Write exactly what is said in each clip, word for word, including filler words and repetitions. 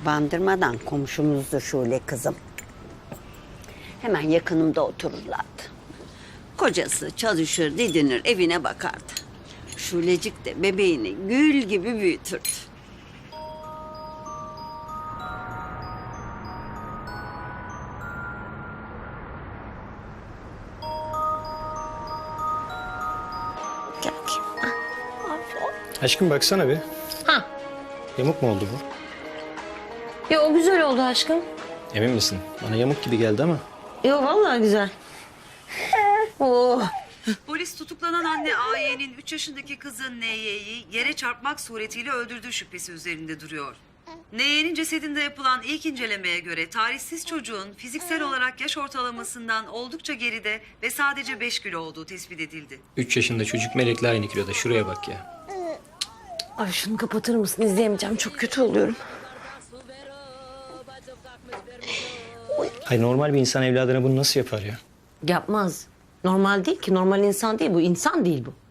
Bandırmadan komşumuzdu Şule kızım. Hemen yakınımda otururlardı. Kocası çalışır, didinir, evine bakardı. Şulecik de bebeğini gül gibi büyütürdü. Gel bakayım. Ah, aferin. Aşkım baksana bir. Ha. Yamuk mu oldu bu? Ya o güzel oldu aşkım. Emin misin? Bana yamuk gibi geldi ama. Yo vallahi güzel. Oh. Polis tutuklanan anne A Y'nin üç yaşındaki kızı N Y'yi yere çarpmak suretiyle öldürdüğü şüphesi üzerinde duruyor. N Y'nin cesedinde yapılan ilk incelemeye göre tarihsiz çocuğun fiziksel olarak yaş ortalamasından oldukça geride ve sadece beş kilo olduğu tespit edildi. Üç yaşında çocuk Melek'le aynı kiloda. Şuraya bak ya. Ay şunu kapatır mısın? İzleyemeyeceğim. Çok kötü oluyorum. Ay normal bir insan evladına bunu nasıl yapar ya? Yapmaz. Normal değil ki. Normal insan değil bu. İnsan değil bu.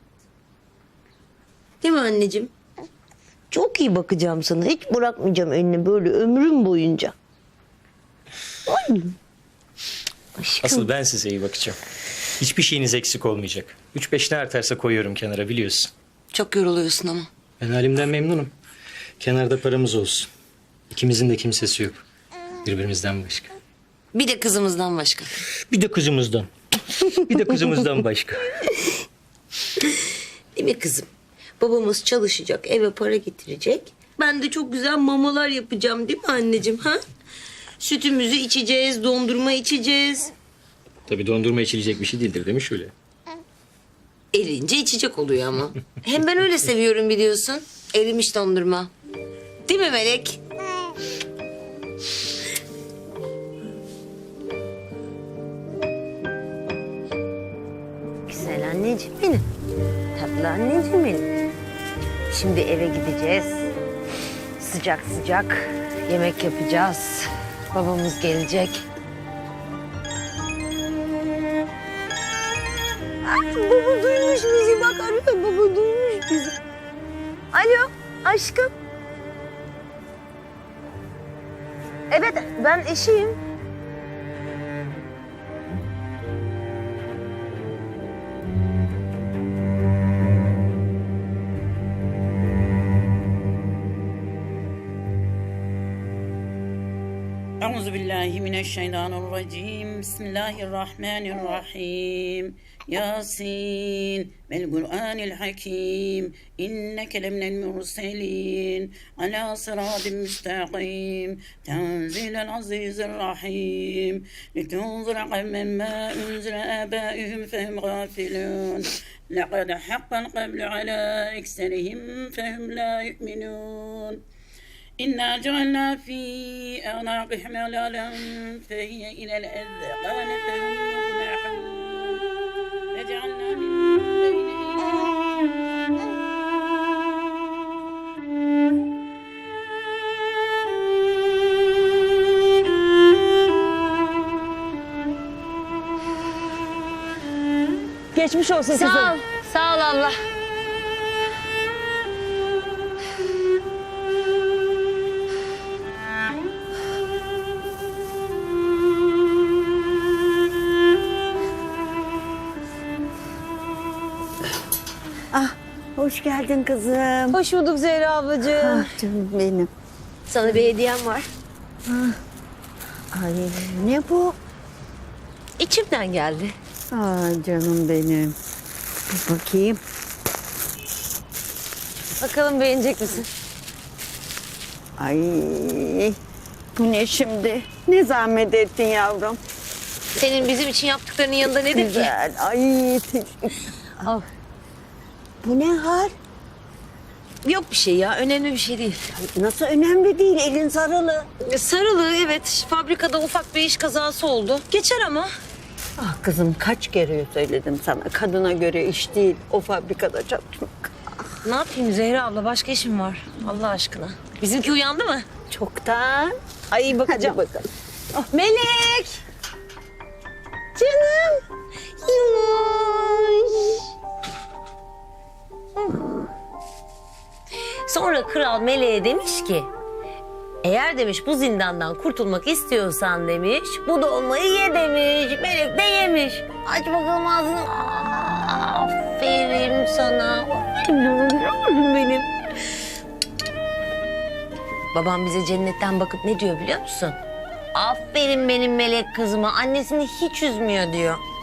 Değil mi anneciğim? Çok iyi bakacağım sana. Hiç bırakmayacağım elini böyle ömrüm boyunca. Ay. Aşkım. Asıl ben size iyi bakacağım. Hiçbir şeyiniz eksik olmayacak. Üç beş ne artarsa koyuyorum kenara biliyorsun. Çok yoruluyorsun ama. Ben halimden memnunum. Kenarda paramız olsun. İkimizin de kimsesi yok. Birbirimizden başka. Bir de kızımızdan başka. Bir de kızımızdan. Bir de kızımızdan başka. Değil mi kızım? Babamız çalışacak, eve para getirecek. Ben de çok güzel mamalar yapacağım değil mi anneciğim? Ha? Sütümüzü içeceğiz, dondurma içeceğiz. Tabii dondurma içilecek bir şey değildir değil mi şöyle? Erince içecek oluyor ama. Hem ben öyle seviyorum biliyorsun. Erimiş dondurma. Değil mi Melek? Güzel anneciğim benim. Tatlı anneciğim benim. Şimdi eve gideceğiz. Sıcak sıcak yemek yapacağız. Babamız gelecek. Ay, baba duymuş bizi bak arıyor. Baba duymuş bizi. Alo aşkım. Evet ben eşiyim. أعوذ بالله من الشيطان الرجيم بسم الله الرحمن الرحيم ياسين والقرآن الحكيم إنك لمن المرسلين على صراط مستقيم تنزيل العزيز الرحيم لتنظر قوما ما أنزل آبائهم فهم غافلون لقد حق القول على أكثرهم فهم لا يؤمنون إنا جعلنا في أعناقهم أغلالا فهي إلى الأذقان فهم مقمحون وجعلنا من بين Geçmiş olsun kızım. Sağ ol. Sağ ol abla. Ah, hoş geldin kızım. Hoş bulduk Zehra ablacığım. Ah canım benim. Sana bir hediyem var. Ay ne bu? İçimden geldi. Ay canım benim. Bir bakayım. Bakalım beğenecek misin? Ay bu ne şimdi? Ne zahmet ettin yavrum. Senin bizim için yaptıklarının yanında nedir ki? Güzel. Ay teşekkür. Al. Bu ne hal? Yok bir şey ya. Önemli bir şey değil. Nasıl önemli değil, elin sarılı. Sarılı evet. Fabrikada ufak bir iş kazası oldu. Geçer ama. Ah kızım kaç kere söyledim sana. Kadına göre iş değil o fabrikada çalışmak. Ne yapayım Zehra abla? Başka işim var. Allah aşkına. Bizimki uyandı mı? Çoktan. Ay bakacağım. Hadi bakalım. Melek. Canım. Yumuş. Sonra kral Melek'e demiş ki... Eğer demiş bu zindandan kurtulmak istiyorsan demiş, bu dolmayı ye demiş. Melek de yemiş. Aç bakalım ağzını. Aferin sana. Aferin benim. Babam bize cennetten bakıp ne diyor biliyor musun? Aferin benim melek kızıma. Annesini hiç üzmüyor diyor.